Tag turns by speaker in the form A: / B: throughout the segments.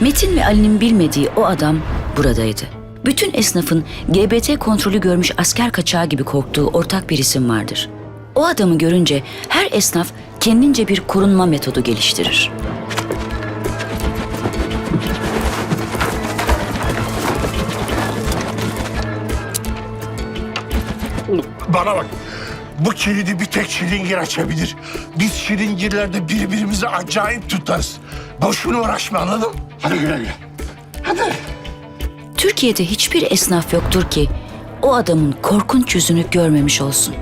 A: Metin ve Ali'nin bilmediği o adam buradaydı. Bütün esnafın GBT kontrolü görmüş asker kaçağı gibi korktuğu ortak bir isim vardır. O adamı görünce her esnaf kendince bir korunma metodu geliştirir.
B: Bana bak. Bu kilidi bir tek şilingir açabilir. Biz şilingirlerde birbirimizi acayip tutarız. Boşuna uğraşma, anladın mı? Hadi güle güle. Hadi.
A: Türkiye'de hiçbir esnaf yoktur ki o adamın korkunç yüzünü görmemiş olsun.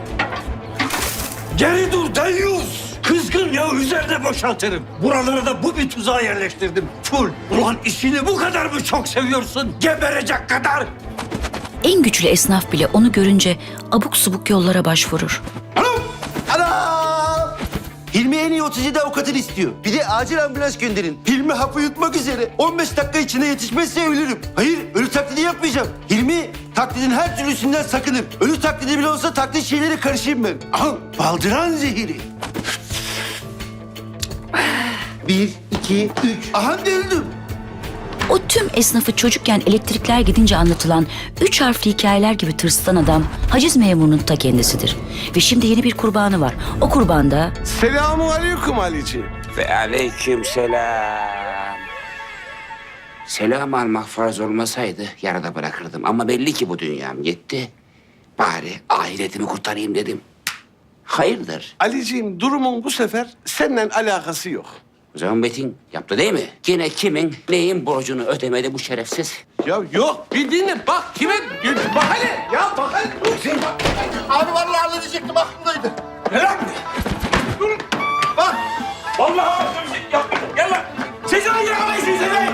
C: Geri dur deyyus! Kızgın ya üzerine boşaltırım. Buralara da bu bir tuzağa yerleştirdim. Full. Ulan işini bu kadar mı çok seviyorsun? Geberecek kadar.
A: En güçlü esnaf bile onu görünce abuk subuk yollara başvurur.
D: Ana! Hilmi en iyi 37 avukatını istiyor. Bir de acil ambulans gönderin. Hilmi hapı yutmak üzere. 15 dakika içinde yetişmezse ölürüm. Hayır, ölü taklidi yapmayacağım. Hilmi taklidin her türlüsünden sakınır. Ölü taklidi bile olsa taklit şeylere karışayım ben. Al, baldıran zehiri. 1, 2, 3. Aha da öldüm.
A: O tüm esnafı çocukken elektrikler gidince anlatılan 3 harfli hikayeler gibi tırsıtan adam haciz memurunun ta kendisidir. Ve şimdi yeni bir kurbanı var. O kurban da
E: Selamun aleyküm Ali'ciğim.
F: Ve aleyküm selam. Selam almak farz olmasaydı yarıda bırakırdım. Ama belli ki bu dünyam yetti. Bari ahiretimi kurtarayım dedim. Hayırdır?
E: Ali'ciğim durumun bu sefer seninle alakası yok.
F: O zaman Metin yaptı değil mi? Yine kimin neyin borcunu ödemedi bu şerefsiz?
E: Ya yok bir dinle bak kime... Bak hele ya bak hele.
B: Abi vallahi halledecektim, aklımdaydı.
C: Ne lan? Dur. Bak. Vallahi yapmadım. Gel lan. Sezai yakalayın Sezai.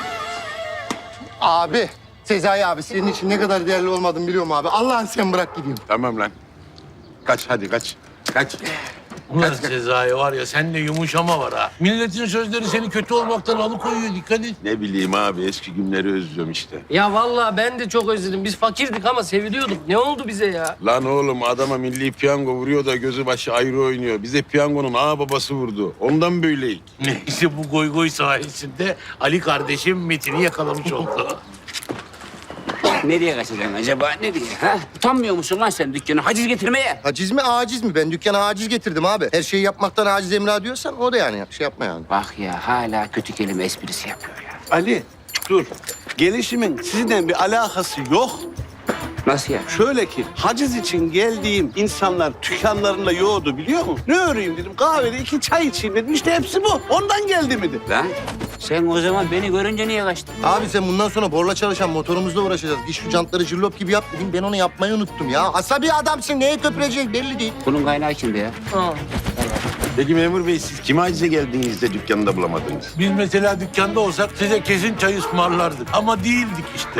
G: Abi, Sezai abi senin için ne kadar değerli olmadığını biliyorum abi. Allah'ın sen bırak gideyim.
E: Tamam lan. Kaç hadi kaç. Kaç.
H: Ulan Sezai var ya sende yumuşama var ha. Milletin sözleri seni kötü olmaktan alıkoyuyor, dikkat et.
E: Ne bileyim abi eski günleri özlüyorum işte.
I: Ya vallahi ben de çok özledim. Biz fakirdik ama seviliyorduk. Ne oldu bize ya?
E: Lan oğlum adama milli piyango vuruyor da gözü başı ayrı oynuyor. Bize piyangonun ağa babası vurdu. Ondan böyleyik.
H: Neyse bu goy goy sayesinde Ali kardeşim Metin'i yakalamış oldu.
F: Nereye kaçacaksın acaba? Nereye? Ha? Utanmıyor musun lan sen dükkana haciz getirmeye?
G: Haciz mi, aciz mi? Ben dükkana aciz getirdim abi. Her şeyi yapmaktan aciz emra diyorsan o da yani şey yapma yani.
F: Bak ya hala kötü kelime esprisi yapıyor ya.
E: Ali dur. Gelişimin sizinle bir alakası yok.
F: Nasıl ya?
E: Şöyle ki haciz için geldiğim insanlar dükkanlarında yoğurdu biliyor musun? Ne öreyim dedim kahvede 2 çay içeyim dedim. İşte hepsi bu. Ondan geldi mi de.
F: Lan sen o zaman beni görünce niye kaçtın?
G: Abi sen bundan sonra borla çalışan motorumuzla uğraşacağız. Git şu jantları cırlop gibi yap dedim. Ben onu yapmayı unuttum ya. Asabi adamsın. Neye köpürecek belli değil.
F: Bunun kaynağı kimdi ya?
E: Peki memur bey siz kime acize geldiniz de dükkanında bulamadınız?
H: Biz mesela dükkanda olsak size kesin çay ısmarlardık. Ama değildik işte.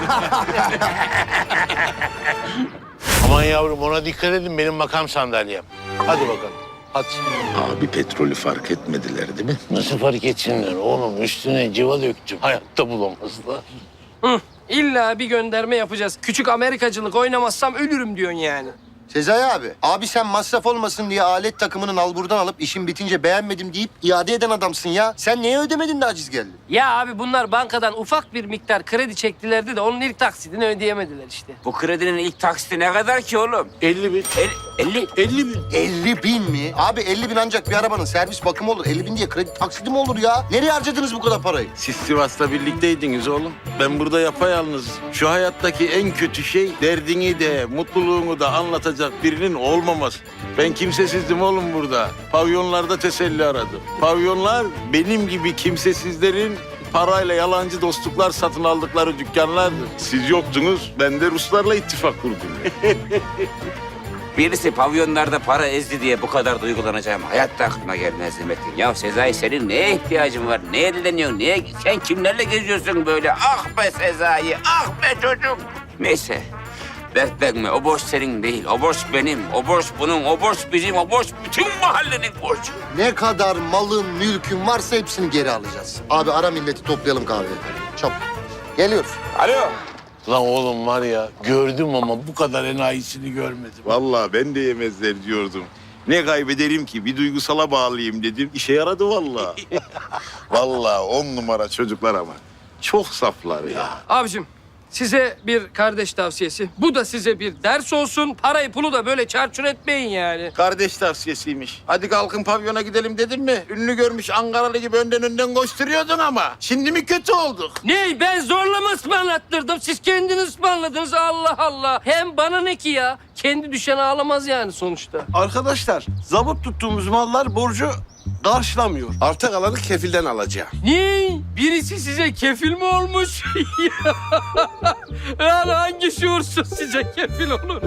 H: Aman yavrum ona dikkat edin benim makam sandalyem. Hadi bakalım. Hadi.
B: Abi petrolü fark etmediler değil mi?
H: Nasıl fark etsinler oğlum? Üstüne civa döktüm. Hayatta bulamazlar.
I: İlla bir gönderme yapacağız. Küçük Amerikacılık oynamazsam ölürüm diyorsun yani.
G: Sezai abi sen masraf olmasın diye alet takımını nalburdan alıp işin bitince beğenmedim deyip iade eden adamsın ya. Sen neye ödemedin de aciz geldin?
I: Ya abi bunlar bankadan ufak bir miktar kredi çektilerdi de onun ilk taksidini ödeyemediler işte.
F: Bu kredinin ilk taksiti ne kadar ki oğlum?
H: 50 bin.
F: 50.
H: 50 bin.
G: 50 bin mi? Abi 50 bin ancak bir arabanın servis bakımı olur. 50 bin diye kredi taksidi mi olur ya? Nereye harcadınız bu kadar parayı?
E: Siz Sivas'ta birlikteydiniz oğlum. Ben burada yapayalnız. Şu hayattaki en kötü şey derdini de mutluluğunu da anlatacak birinin olmaması. Ben kimsesizdim oğlum burada. Pavyonlarda teselli aradım. Pavyonlar benim gibi kimsesizlerin parayla yalancı dostluklar satın aldıkları dükkanlardı. Siz yoktunuz, ben de Ruslarla ittifak kurdum.
F: Birisi pavyonlarda para ezdi diye bu kadar duygulanacağım. Hayatta aklıma gelmezdi Metin. Ya Sezai senin neye ihtiyacın var? Neye dileniyorsun? Sen kimlerle geziyorsun böyle? Ah be Sezai, ah be çocuk. Neyse. Dertlenme. O borç senin değil. O borç benim. O borç bunun. O borç bizim. O borç bütün mahallenin borcu.
G: Ne kadar malın, mülkün varsa hepsini geri alacağız. Abi ara milleti toplayalım kahveye. Çabuk. Geliyoruz.
F: Alo.
H: Lan oğlum var ya gördüm ama bu kadar enayisini görmedim.
E: Vallahi ben de yemezler diyordum. Ne kaybederim ki? Bir duygusala bağlayayım dedim. İşe yaradı vallahi. Vallahi 10 numara çocuklar ama. Çok saflar ya.
I: Abicim size bir kardeş tavsiyesi. Bu da size bir ders olsun. Parayı pulu da böyle çarçur etmeyin yani.
E: Kardeş tavsiyesiymiş. Hadi kalkın pavyona gidelim dedim mi? Ünlü görmüş Ankaralı gibi önden koşturuyordun ama. Şimdi mi kötü olduk?
I: Ne? Ben zorla mı ısmarlattırdım? Siz kendiniz ısmarladınız. Allah Allah. Hem bana ne ki ya? Kendi düşen ağlamaz yani sonuçta.
J: Arkadaşlar, zabıt tuttuğumuz mallar borcu karşılamıyor. Arta kalanı kefilden alacağım.
I: Ne? Birisi size kefil mi olmuş? Yani hangi şuursuz size kefil olur?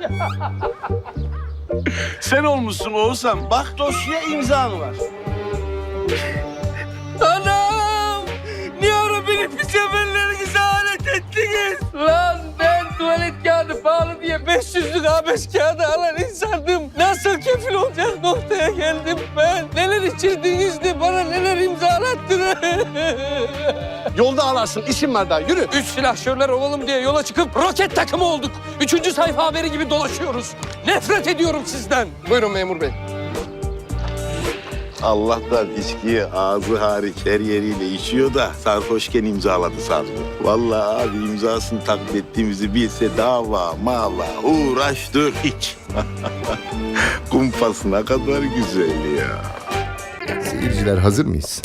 J: Sen olmuşsun Oğuzhan. Bak dosyaya imzan var.
I: Anam! Niye ara beni pis seferlerinize alet ettiniz? Lan ben tuvalet kağıdı pahalı diye 500'lük A5 kağıdı alan insandım. Nasıl kefil olacak noktaya geldim ben? Neler içirdiniz de bana neler imzalattınız?
J: Yolda ağlarsın. İşim var daha. Yürü.
I: 3 silahşörler olalım diye yola çıkıp roket takımı olduk. 3. sayfa haberi gibi dolaşıyoruz. Nefret ediyorum sizden. Buyurun memur bey.
E: Allah'tan içkiyi ağzı hariç her yeriyle içiyor da sarhoşken imzaladı sandım. Vallahi abi imzasını takip ettiğimizi bilse dava, mala, uğraştır hiç. Kumpas ne kadar güzel ya.
K: Seyirciler hazır mıyız?